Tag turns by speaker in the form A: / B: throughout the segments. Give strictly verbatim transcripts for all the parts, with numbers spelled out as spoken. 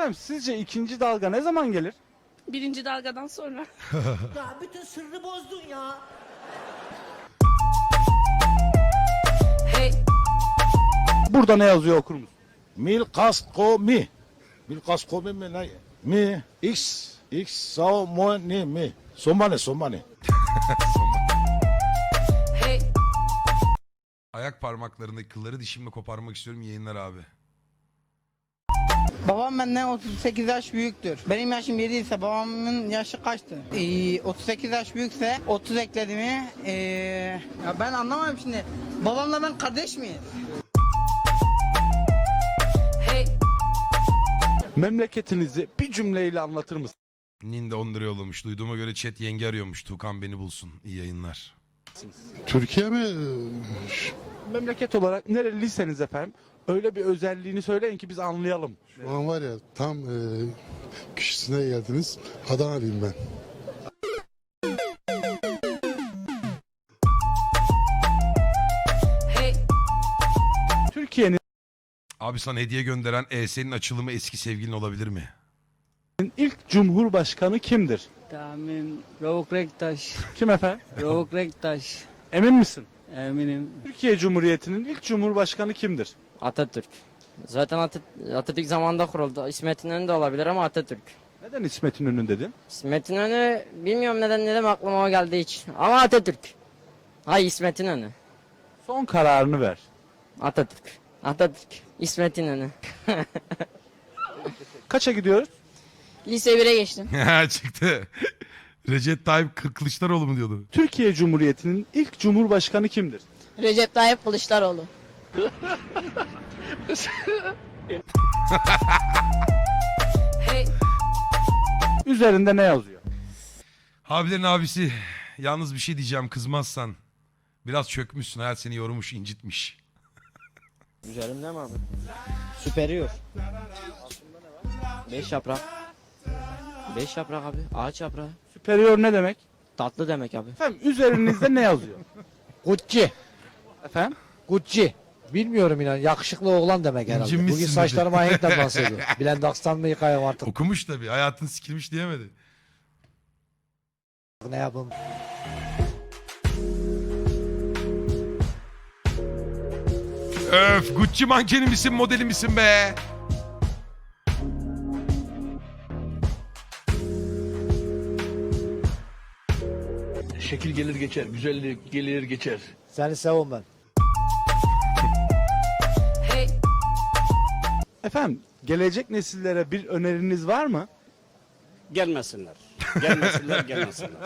A: Efendim sizce ikinci dalga ne zaman gelir?
B: Birinci dalgadan sonra.
C: Ya bütün sırrı bozdun ya.
B: Hey.
A: Burada ne yazıyor okur musun?
D: Mil kasko mi. Mil kasko mi mi ne? Mi. X. X. Sao mo ni mi. Somane somane.
B: Hey.
E: Ayak parmaklarındaki kılları dişimle koparmak istiyorum, yayınlar abi.
F: Babam benden otuz sekiz yaş büyüktür. Benim yaşım yedi ise babamın yaşı kaçtı? Ee, otuz sekiz yaş büyükse otuz ekledi mi? Ee, ya ben anlamadım şimdi. Babamla ben kardeş miyiz?
B: Hey.
A: Memleketinizi bir cümleyle anlatır mısın?
E: Ninde on lira yollamış. Duyduğuma göre chat yenge arıyormuş. Tuğkan beni bulsun. İyi yayınlar.
G: Türkiye mi?
A: Memleket olarak nereliyseniz efendim öyle bir özelliğini söyleyin ki biz anlayalım.
G: Şu an var ya tam e, kişisine geldiniz. Adanalıyım ben.
B: Hey.
A: Türkiye'nin
E: Abi sana hediye gönderen E S'nin açılımı eski sevgilin olabilir mi?
A: ilk cumhurbaşkanı kimdir?
H: Tahmin Ravuk Rektaş.
A: Kim efendim?
H: Ravuk Rektaş.
A: Emin misin?
H: Eminim.
A: Türkiye Cumhuriyeti'nin ilk cumhurbaşkanı kimdir?
I: Atatürk. Zaten Atat- Atatürk zamanında kuruldu. İsmet İnönü de olabilir ama Atatürk.
A: Neden İsmet İnönü dedin?
I: İsmet İnönü bilmiyorum neden neden aklıma o geldi hiç. Ama Atatürk. Hay İsmet İnönü.
A: Son kararını ver.
I: Atatürk. Atatürk. İsmet İnönü.
A: Kaça gidiyoruz?
B: Lise bire geçtim.
E: Çıktı. Recep Tayyip Kılıçdaroğlu mu diyordu?
A: Türkiye Cumhuriyeti'nin ilk cumhurbaşkanı kimdir?
B: Recep Tayyip Kılıçdaroğlu. Hey.
A: Üzerinde ne yazıyor?
E: Abilerin abisi. Yalnız bir şey diyeceğim, kızmazsan. Biraz çökmüşsün. Hayat seni yormuş, incitmiş.
I: Üzerimde mi abi? Süperiyor. Beş yaprak. Beş yaprak abi. Ağaç yaprağı.
A: Superior ne demek?
I: Tatlı demek abi.
A: Efendim üzerinizde ne yazıyor?
J: Gucci.
A: Efendim?
J: Gucci. Bilmiyorum inan. Yakışıklı oğlan demek herhalde.
E: İncinmişsin
J: Bugün
E: dedi.
J: saçlarıma ahenkle bahsediyor. Blendax'tan mı yıkayım artık?
E: Okumuş tabii. Hayatın sikilmiş diyemedi.
J: Ne yapayım?
E: Öf, Gucci mankeni misin, modeli misin be?
K: Şekil gelir geçer, güzellik gelir geçer.
J: Seni seviyorum ben.
B: Hey.
A: Efendim gelecek nesillere bir öneriniz var mı?
K: Gelmesinler. Gelmesinler, gelmesinler.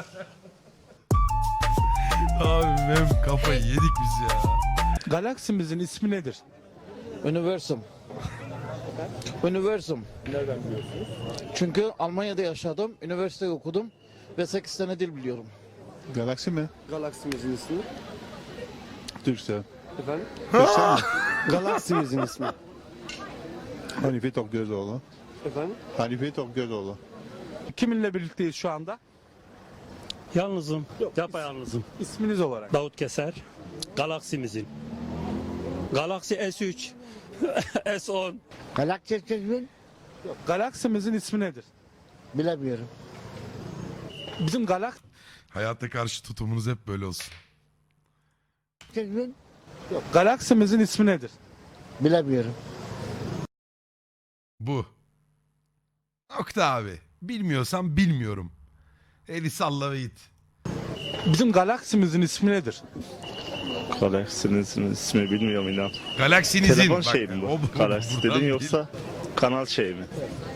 E: Abi mem kafayı yedik biz ya.
A: Galaksimizin ismi nedir?
J: Universum. Universum. Nereden biliyorsunuz? Çünkü Almanya'da yaşadım, üniversite okudum ve sekiz sene dil biliyorum.
G: Galaksi mi?
K: Galaksimizin ismi.
G: Türksel.
K: Efendim?
G: Türksel mi?
K: Galaksimizin ismi.
G: Hanife Tokgözoğlu.
K: Efendim?
G: Hanife Tokgözoğlu.
A: Kiminle birlikteyiz şu anda?
L: Yalnızım. Yapayalnızım.
A: İsminiz olarak.
L: Davut Keser. Galaksimizin. Galaxy S üç. S on.
J: Galaktik'in
A: Galaksimizin ismi nedir?
J: bilemiyorum.
A: Bizim galak
E: Hayata karşı tutumunuz hep böyle olsun.
A: galaksimizin ismi nedir?
J: Bilemiyorum.
E: Bu. Nokta abi. Bilmiyorsan bilmiyorum. Eli salla ve git.
A: Bizim galaksimizin ismi nedir?
M: Galaksinizin ismi bilmiyorum inan.
E: Galaksinizin.
M: Telefon
E: Bak,
M: şey mi
E: o-
M: bu?
E: o-
M: Galaksi
E: buradan
M: dedin
E: bil.
M: yoksa kanal şey mi?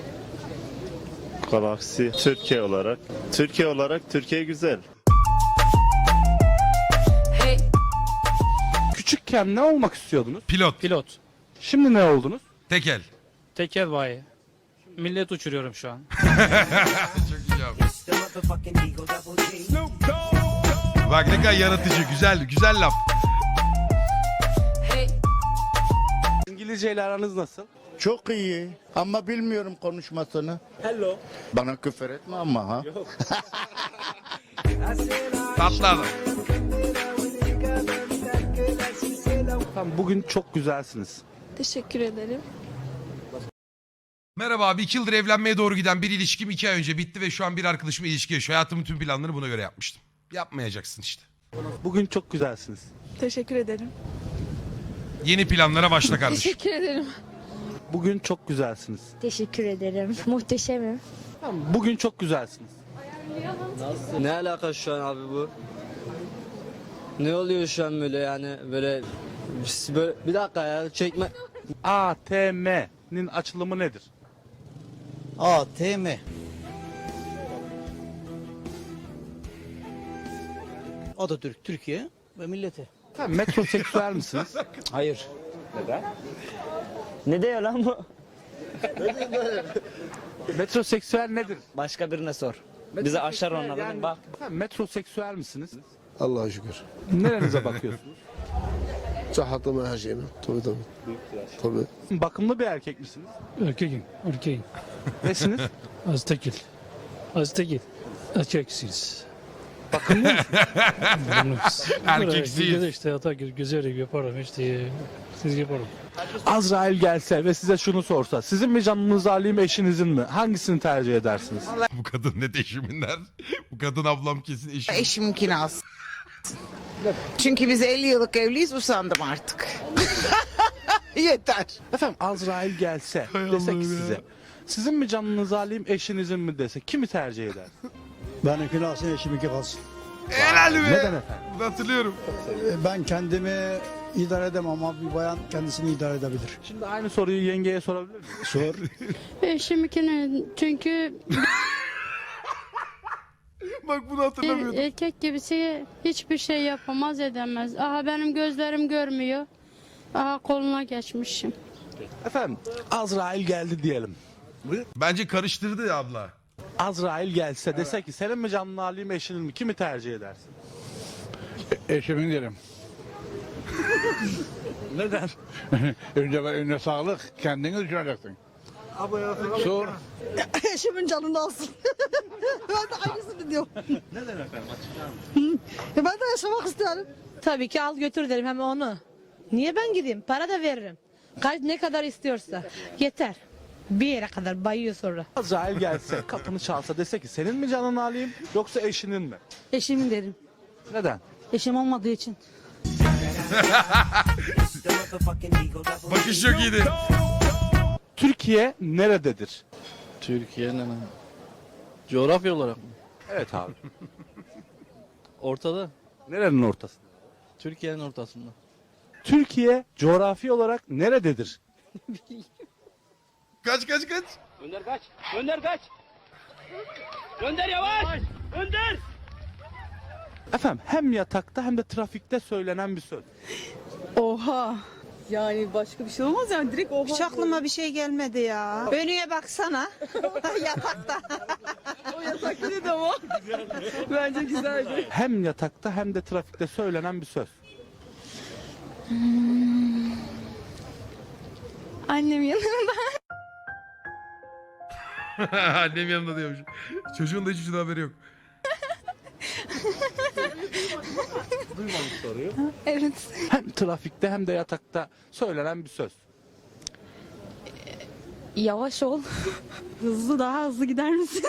M: Galaksi Türkiye olarak. Türkiye olarak Türkiye güzel.
B: Hey.
A: Küçükken ne olmak istiyordunuz?
E: Pilot.
L: Pilot.
A: Şimdi ne oldunuz?
E: Tekel.
L: Tekel bayi. Millet uçuruyorum şu an.
E: Çok iyi abi. Bak ne kadar yaratıcı. Güzel. Güzel laf.
B: Hey.
A: İngilizce ile aranız nasıl?
F: Çok iyi ama bilmiyorum konuşmasını.
A: Hello.
F: Bana küfür etme ama ha.
E: Tatlı adam.
A: Efendim bugün çok güzelsiniz.
B: Teşekkür ederim.
E: Merhaba abi, iki yıldır evlenmeye doğru giden bir ilişkim iki ay önce bitti ve şu an bir arkadaşımla ilişki yaşıyor. Hayatımın tüm planlarını buna göre yapmıştım. Yapmayacaksın işte.
A: Bugün çok güzelsiniz.
B: Teşekkür ederim.
E: Yeni planlara başla kardeşim.
B: Teşekkür ederim.
A: Bugün çok güzelsiniz.
B: Teşekkür ederim. Muhteşemim.
A: Tamam, bugün çok güzelsiniz.
H: Ne alaka şu an abi bu? Ne oluyor şu an böyle yani böyle, böyle bir dakika ya çekme.
A: A T M'nin açılımı nedir?
C: A T M. Atatürk, Türkiye ve milleti.
A: Efendim, metroseksüel misiniz?
H: Hayır. Ne diyor lan bu?
A: Metroseksüel nedir?
H: Başka birine sor. Bize aşar onlar
A: Yani-
H: bak.
A: Efendim, metroseksüel misiniz?
G: Allah'a şükür.
A: Nerenize bakıyorsunuz?
G: Sıhhatime her şeyime. Tabii tabii. Tabii.
A: Bakımlı bir erkek misiniz?
L: Erkeğim, erkeğim.
A: Nesiniz?
L: Az tekil. Az tekil. Erkeksiz.
A: Bakımlı mısınız?
E: Erkeksiz.
L: işte hata güzel yaparım işte. Siz yaparım.
A: Azrail gelse ve size şunu sorsa, sizin mi canınız alayım, eşinizin mi? Hangisini tercih edersiniz?
E: Bu kadın ne eşiminler? Bu kadın ablam kesin eşim.
F: Eşimkini alsın. Çünkü biz elli yıllık evliyiz, usandım artık. Yeter.
A: Efendim, Azrail gelse dese ki size, sizin mi canınız alayım, eşinizin mi dese, kimi tercih eder?
K: Benimkini alsın, eşiminki kalsın.
E: Helal be.
A: Neden efendim?
E: Bunu hatırlıyorum.
K: Ben kendimi idare edemem ama bir bayan kendisini idare edebilir.
A: Şimdi aynı soruyu yengeye sorabilir miyim?
K: Sor.
B: Eşimkini çünkü
E: Bak bunu hatırlamıyordum.
B: erkek gibisi hiçbir şey yapamaz edemez. Aha benim gözlerim görmüyor. Aha koluna geçmişim.
A: Efendim, Azrail geldi diyelim.
E: Bence karıştırdı ya abla.
A: Azrail gelse dese ki, senin mi canını alayım, eşinin mi? Kimi tercih edersin?
K: Eşimin derim.
A: Neden?
K: önce önce sağlık, kendini düşüneceksin. Sor.
F: Eşimin canını alsın. Ben de aynısını diyorum. Neden efendim? Ben de yaşamak isterim.
B: Tabii ki al götür derim hem onu. Niye ben gideyim? Para da veririm. Kaç ne kadar istiyorsa. Yeter. Bir yere kadar bayıyor sonra.
A: Azrail gelse, kapını çalsa dese ki, senin mi canını alayım, yoksa eşinin mi?
B: Eşimin derim.
A: Neden?
B: Eşim olmadığı için.
E: Bakış çok iyiydi.
A: Türkiye nerededir?
H: Türkiye'nin coğrafya olarak mı?
A: Evet abi.
H: Ortada.
A: Nerenin ortasında?
H: Türkiye'nin ortasında.
A: Türkiye coğrafi olarak nerededir?
E: Kaç kaç kaç.
L: Önder kaç. Önder kaç. Önder yavaş. Önder.
A: Efendim, hem yatakta hem de trafikte söylenen bir söz.
B: Oha. Yani başka bir şey olmaz yani direkt oha.
F: Hiç aklıma bir şey gelmedi ya. Önüne baksana. Yatakta.
B: O yasak dedi ama. Bence güzeldi.
A: Hem yatakta hem de trafikte söylenen bir söz.
B: Annem yanında.
E: Annem yanında diyormuş. Çocuğun da hiç şuna haberi yok.
B: Evet.
A: Hem trafikte hem de yatakta söylenen bir söz.
B: Yavaş ol. Hızlı daha hızlı gider misin?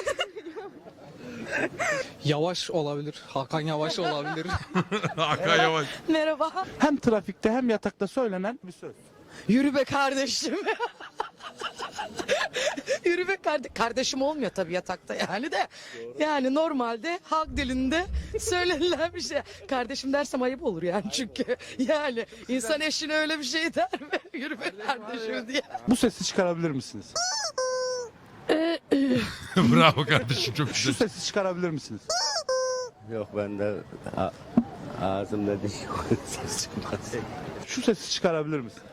H: Yavaş olabilir. Hakan Yavaş olabilir.
E: Hakan Yavaş.
B: Merhaba.
A: Hem trafikte hem yatakta söylenen bir söz.
F: Yürü be kardeşim. Yürü be kardeşim. Kardeşim olmuyor tabii yatakta yani de. Yani normalde halk dilinde söylenilen bir şey. Kardeşim dersem ayıp olur yani çünkü. Yani insan eşine öyle bir şey der mi? Yürü be kardeşim diye.
A: Bu sesi çıkarabilir misiniz?
E: Bravo kardeşim, çok
A: Şu
E: güzel.
A: sesi çıkarabilir misiniz?
M: Yok bende ağzımda diş yok.
A: Şu sesi çıkarabilir misiniz?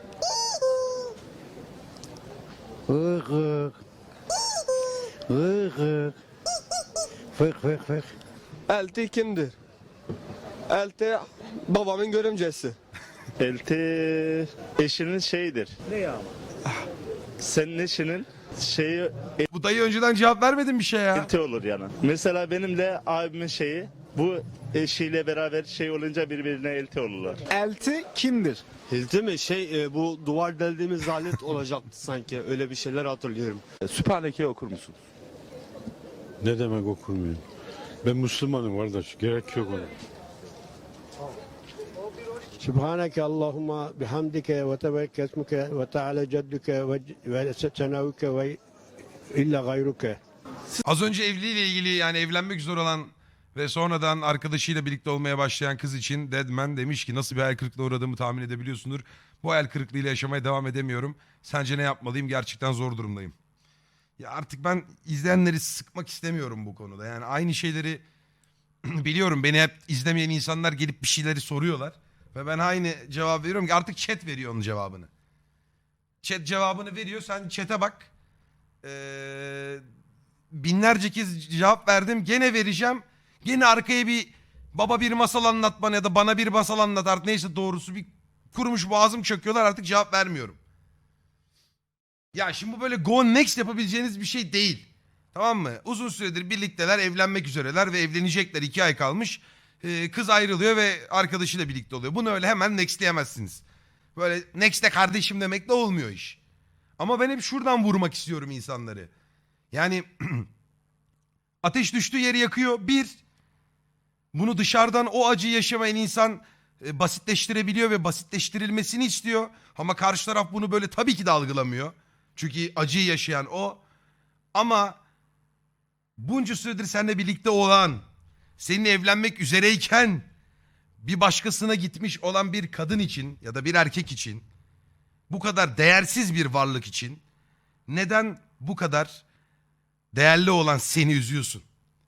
K: Hık hık. Hık hık. Fık fık fık.
H: Elti kimdir? Elti babamın görümcesi.
M: Elti eşinin şeyidir.
K: Ne ama?
M: Senin eşinin şeyi
E: Bu dayı önceden cevap vermedin bir şey ya.
M: elti olur yani. Mesela benim de abimin şeyi Bu eşiyle beraber şey olunca birbirine elti olurlar.
A: Elti kimdir?
H: Hilti mi? Şey e, bu duvar deldiğimiz alet olacaktı sanki. Öyle bir şeyler hatırlıyorum.
A: Sübhaneke'yi okur musunuz?
G: Ne demek okurmayayım? Ben Müslümanım kardeş. Gerek yok ona.
H: Subhaneke Allahumma bihamdike ve tebekke esmuke ve teala cedduke ve senavike ve illa gayruke.
E: Az önce evliliğiyle ilgili yani evlenmek üzere olan ve sonradan arkadaşıyla birlikte olmaya başlayan kız için Deadman demiş ki nasıl bir hayal kırıklığına uğradığımı tahmin edebiliyorsundur. Bu hayal kırıklığıyla yaşamaya devam edemiyorum. Sence ne yapmalıyım? Gerçekten zor durumdayım. Ya artık ben izleyenleri sıkmak istemiyorum bu konuda. Yani aynı şeyleri biliyorum. Beni hep izlemeyen insanlar gelip bir şeyleri soruyorlar. Ve ben aynı cevap veriyorum ki artık chat veriyor onun cevabını. Chat cevabını veriyor. Sen chat'e bak. Ee, binlerce kez cevap verdim. Gene vereceğim. Gene arkaya bir baba bir masal anlat bana ya da bana bir masal anlat artık neyse doğrusu bir kurumuş boğazım çöküyorlar artık cevap vermiyorum. Ya şimdi bu böyle go next yapabileceğiniz bir şey değil. Tamam mı? Uzun süredir birlikteler, evlenmek üzereler ve evlenecekler. iki ay kalmış. Ee, kız ayrılıyor ve arkadaşıyla birlikte oluyor. Bunu öyle hemen nextleyemezsiniz. Böyle next'e kardeşim demekle olmuyor iş. Ama ben hep şuradan vurmak istiyorum insanları. Yani ateş düştüğü yeri yakıyor. Bir, bunu dışarıdan o acıyı yaşamayan insan e, basitleştirebiliyor ve basitleştirilmesini istiyor. Ama karşı taraf bunu böyle tabii ki de algılamıyor. Çünkü acıyı yaşayan o. Ama bunca süredir seninle birlikte olan, seninle evlenmek üzereyken bir başkasına gitmiş olan bir kadın için ya da bir erkek için, bu kadar değersiz bir varlık için neden bu kadar değerli olan seni üzüyorsun?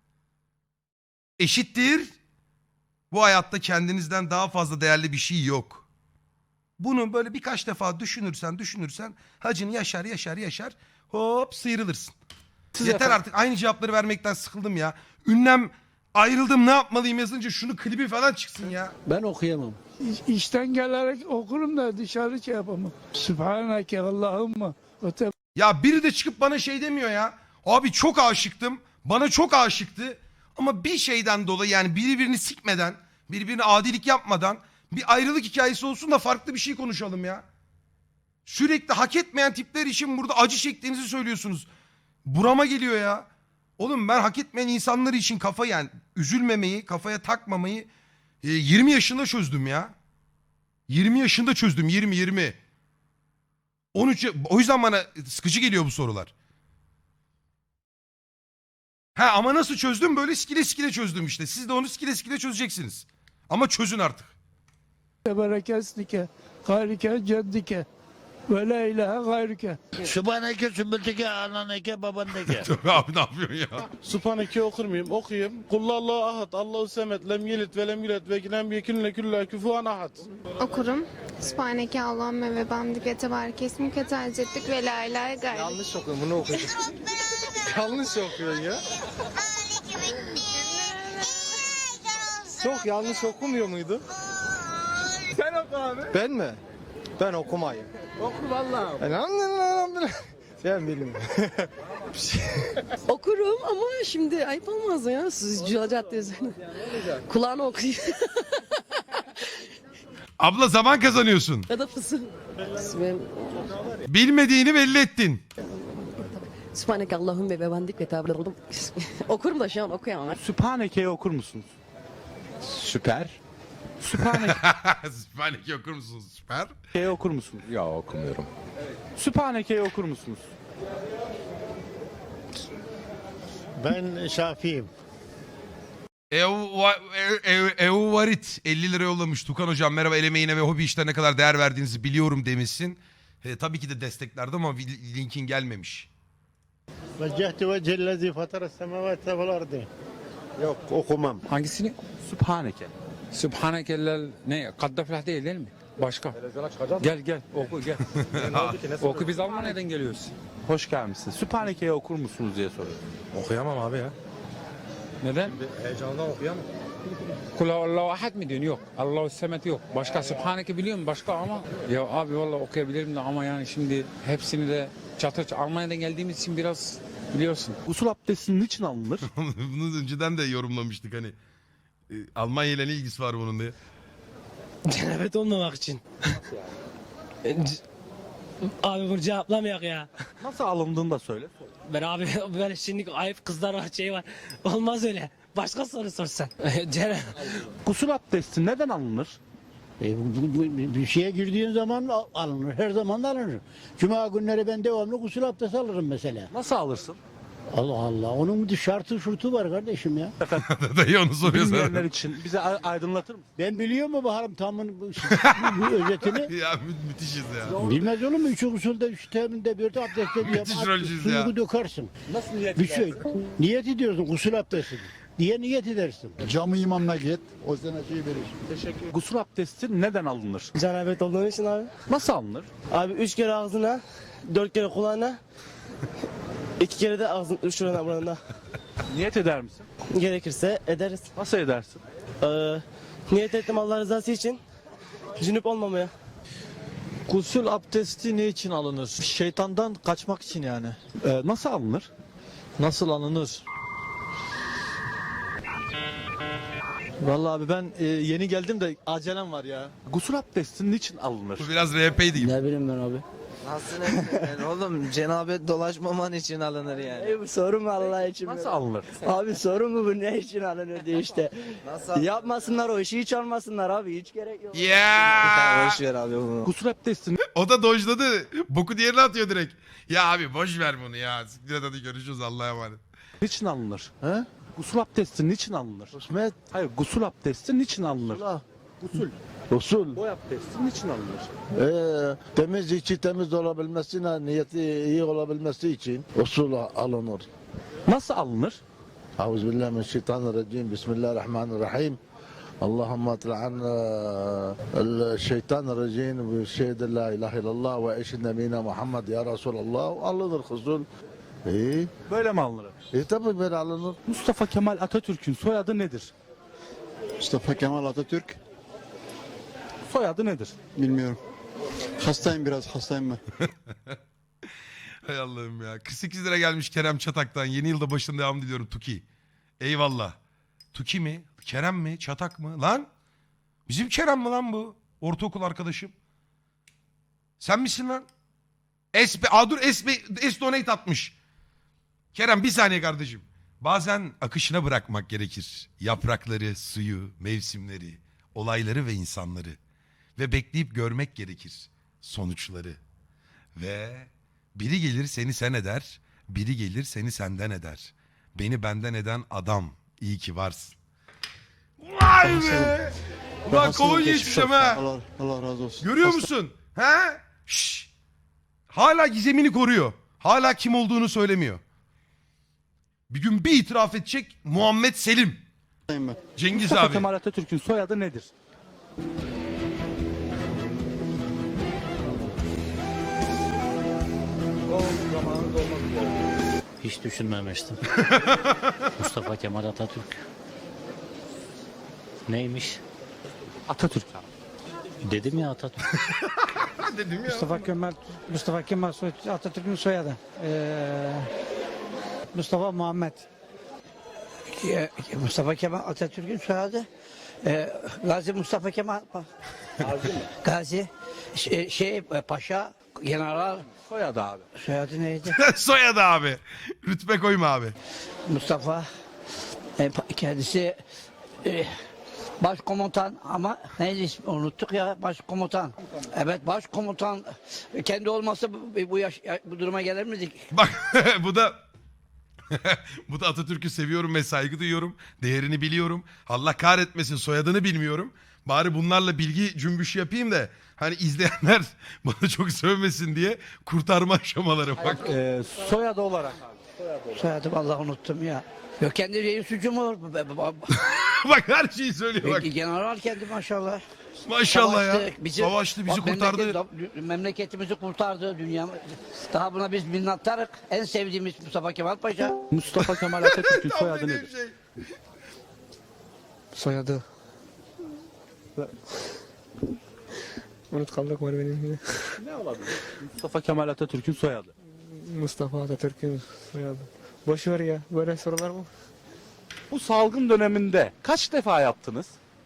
E: Eşittir. Bu hayatta kendinizden daha fazla değerli bir şey yok. Bunu böyle birkaç defa düşünürsen düşünürsen hacını yaşar yaşar yaşar hop sıyrılırsın.
A: Siz
E: Yeter
A: efendim-
E: artık aynı cevapları vermekten sıkıldım ya. Ünlem ayrıldım ne yapmalıyım yazınca şunu klibi falan çıksın ya.
J: Ben okuyamam.
L: İşten gelerek okurum da dışarı şey yapamam. Sübhaneke Allahümme ve te
E: Ya biri de çıkıp bana şey demiyor ya. Abi çok aşıktım. Bana çok aşıktı. Ama bir şeyden dolayı yani birbirini sikmeden, birbirine adilik yapmadan bir ayrılık hikayesi olsun da farklı bir şey konuşalım ya. Sürekli hak etmeyen tipler için burada acı çektiğinizi söylüyorsunuz. Burama geliyor ya. Oğlum ben hak etmeyen insanlar için kafa yani üzülmemeyi, kafaya takmamayı e, yirmi yaşında çözdüm ya. yirmi yaşında çözdüm yirmi yirmi. on üç o yüzden bana sıkıcı geliyor bu sorular. Ha ama nasıl çözdüm? Böyle skile skile çözdüm işte. Siz de onu skile skile çözeceksiniz. Ama çözün artık.
L: berekesnike gayrike ceddike ve la ilahe gayrike.
D: Sübhaneke, sümbülteke, ananeke, babandeke.
E: Abi ne yapıyorsun ya?
A: Sübhaneke'yi okur muyum? Okuyayım. Kullallahu ahad, Allahu semet, lem yelit ve lem yulet ve lem yekun lekülle küfuven ahad.
N: Okurum. Sübhaneke Allahümme ve bamdik ve tebarek esmuke tercettik ve la ilahe gayrı.
H: Yanlış okuyorum bunu okudum.
A: Yanlış okuyorsun ya. Çok yanlış okumuyor muydu? Sen oku abi.
H: Ben mi? Ben okumayayım.
A: Oku vallahi.
H: Sen bilin.
I: Okurum ama şimdi ayıp olmaz ya. Siz cadde üzerine. Kulağına okuyun.
E: Abla zaman kazanıyorsun.
I: Ya da fısın.
E: Bilmediğini belli ettin.
I: Sübhaneke Allahümme ve bendik ve tebarek. Okurum da şu an okuyamam.
A: Sübhaneke'yi okur musunuz? Süper. Sübhaneke.
E: Sübhaneke okur musunuz? Süper.
A: Sübhaneke'yi okur musunuz? Ya okumuyorum. Sübhaneke'yi okur musunuz?
D: Ben Şafi'yim.
E: Euvarit elli lira yollamış. Tukan hocam merhaba, el emeğine ve hobi işlerine ne kadar değer verdiğinizi biliyorum demişsin. E, tabii ki de desteklerdi ama linkin gelmemiş.
D: Vecehti vecellezi fatara semavete vel ardı. Yok okumam.
J: Hangisini?
A: Sübhaneke.
L: Sübhanekellel ne? Kaddaflah değil değil mi? Başka. Gel gel oku gel. Oku biz Almanya'dan geliyoruz.
A: Hoş gelmişsiniz. Sübhaneke'yi okur musunuz diye soruyorum.
L: Okuyamam abi ya. Neden? Heyecandan okuyamam. Kula Allahu ahad mi diyorsun? Yok. Allahu semet yok. Başka Sübhaneke biliyor musun? Başka ama. Ya abi vallahi okuyabilirim de ama yani şimdi hepsini de çatır Almanya'dan geldiğimiz için biraz biliyorsun.
A: Usul abdesti niçin alınır?
E: Bunu önceden de yorumlamıştık hani. Ee, Almanya ile ne ilgisi var bunun diye.
O: Cenabet olmamak için. Abi bunu cevaplamayak ya.
A: Nasıl alındığını da söyle.
O: Ben abi böyle şimdi ayıp kızlar var şey var. Olmaz öyle. Başka soru sorsan. Cenab
A: Gusül abdesti neden alınır?
C: E, bu- bu- bu- bir şeye girdiğin zaman al- alınır. Her zaman da alınır. Cuma günleri ben devamlı gusül abdesti alırım mesela.
A: Nasıl alırsın?
C: Allah Allah. Onun bir şartı şurtu var kardeşim ya.
E: Dayı onu soruyor
A: Bilmeyenler
E: sana.
A: için bize a- aydınlatır mısın?
C: Ben biliyor mu Baharım tamın bu, bu özetini?
E: Ya mü- müthişiz ya.
C: Bilmez olur mu? Üç usulde, üç teminde, bir de abdestte bir
E: Müthiş rolcüyüz
C: suyu
E: ya.
C: dökersin.
A: Nasıl niyet
C: Bir şey. Niyet ediyorsun gusül abdesti diye niyet edersin.
D: Camı imamına git. O sana şey verir.
A: Teşekkür Gusül abdesti neden alınır?
O: Cenabet olduğun için abi.
A: Nasıl alınır?
O: Abi üç kere ağzına, dört kere kulağına, iki kere de ağzın şurana burana.
A: Niyet eder misin?
O: Gerekirse ederiz.
A: Nasıl edersin?
O: Ee, niyet ettim Allah rızası için. Cünüp olmamaya.
J: Gusül abdesti ne için alınır? Şeytandan kaçmak için yani.
A: Ee, nasıl alınır?
J: Nasıl alınır? Vallahi abi ben e, yeni geldim de acelem var ya.
A: Gusül abdesti niçin alınır?
E: Bu biraz R P'ydi gibi.
H: Ne bileyim ben abi.
J: Nasıl yani oğlum cenabet dolaşmaman için alınır yani.
H: bu soru mu Allah için?
A: Nasıl alınır?
H: Abi soru mu bu ne için alınır diye işte.
J: Nasıl?
H: Yapmasınlar o işi hiç almasınlar abi hiç gerek yok.
E: Ya.
J: Boş ver abi bunu.
A: Gusül abdesti
E: O da dojladı. Boku diğerine atıyor direkt. Ya abi boş ver bunu ya. Siktir et, hadi görüşürüz, Allah'a emanet.
A: niçin alınır?
J: He?
A: Gusül abdesti niçin alınır?
J: Husmet.
A: Hayır, gusül abdesti niçin alınır?
C: Gusül.
D: Usul.
A: Boy abdesti niçin alınır?
D: Ee, temiz içi temiz olabilmesine, niyeti iyi olabilmesi için usul alınır.
A: Nasıl alınır?
D: Euzubillahimineşşeytanirracim. Bismillahirrahmanirrahim. اللهم اطلع عنا الشيطان الرجيم بشهد لا اله الا الله واشهد نبينا محمد يا رسول الله alınır husul. İyi.
A: Böyle mi alınır?
D: E tabi böyle alınır.
A: Mustafa Kemal Atatürk'ün soyadı nedir?
K: Mustafa Kemal Atatürk.
A: Soyadı nedir?
K: Bilmiyorum. Hastayım biraz hastayım ben.
E: Hay Allah'ım ya. kırk sekiz lira gelmiş Kerem Çatak'tan. Yeni yılda başında devam diliyorum Tuki. Eyvallah. Tuki mi? Kerem mi? Çatak mı? Lan? Bizim Kerem mi lan bu? Ortaokul arkadaşım. Sen misin lan? S B, aa dur S B, S donate atmış. Kerem bir saniye kardeşim. Bazen akışına bırakmak gerekir. Yaprakları, suyu, mevsimleri, olayları ve insanları. Ve bekleyip görmek gerekir sonuçları. Ve biri gelir seni sen eder, biri gelir seni senden eder. Beni benden eden adam, iyi ki varsın. Vay be! Ulan kolonya içmişim ha.
K: Allah, Allah razı olsun.
E: Görüyor
K: Hasta-
E: musun? He? Şşş. Hala gizemini koruyor. Hala kim olduğunu söylemiyor. Bir gün bir itiraf edecek Muhammed Selim.
K: Hastayım ben.
E: Cengiz
A: Mustafa
E: abi.
A: Kemal Atatürk'ün soyadı nedir?
P: Hiç düşünmemiştim. Mustafa Kemal Atatürk. Neymiş?
A: Atatürk abi.
P: Dedim ya Atatürk.
E: Dedim ya.
C: Mustafa Kemal Mustafa Kemal soy- Atatürk'ün soyadı. Ee, Mustafa Muhammed. Mustafa Kemal Atatürk'ün soyadı. Ee, Gazi Mustafa Kemal Gazi şey, şey Paşa General
A: Soyadı abi.
C: soyadı neydi?
E: Soyadı abi. Rütbe koyma abi.
C: Mustafa e, pa- kendisi e, başkomutan ama neydi ismi unuttuk ya başkomutan. Evet başkomutan kendi olmasa bu, bu, yaş, bu duruma gelir miydik?
E: Bak bu da bu da Atatürk'ü seviyorum ve saygı duyuyorum. Değerini biliyorum. Allah kahretmesin soyadını bilmiyorum. Bari bunlarla bilgi cümbüşü yapayım da hani izleyenler bana çok sövmesin diye kurtarma aşamaları bak.
A: Ee, soyadı olarak abi.
C: Soyadı vallahi unuttum ya. Yok kendi reis cumhur.
E: Bak her şeyi söylüyor bak.
C: General kendi maşallah.
E: Maşallah ya.
C: Savaştı, bizi-
E: Savaştı bizi
C: Bak,
E: kurtardı.
C: memleket- memleketimizi kurtardı dünya. Daha buna biz minnettarık. En sevdiğimiz Mustafa Kemal Paşa.
A: Mustafa Kemal Atatürk'ün
E: Tam
A: soyadı
E: dediğim
A: nedir?
E: şey.
O: Soyadı. Unut kaldık var benim yine.
A: Ne olabilir? Mustafa Kemal Atatürk'ün soyadı.
O: Mustafa Atatürk'ün soyadı. Boş ver ya böyle sorular mı?
A: Bu salgın döneminde kaç defa yaptınız?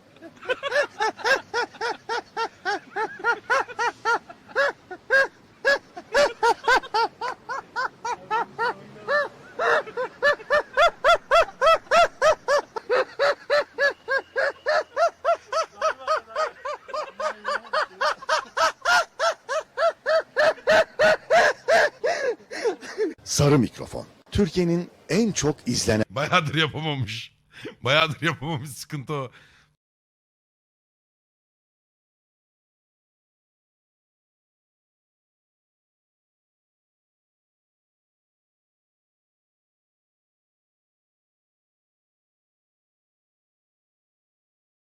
Q: Sarı mikrofon. Türkiye'nin en çok izlenen
E: Bayağıdır yapamamış. Bayağıdır yapamamış, sıkıntı o.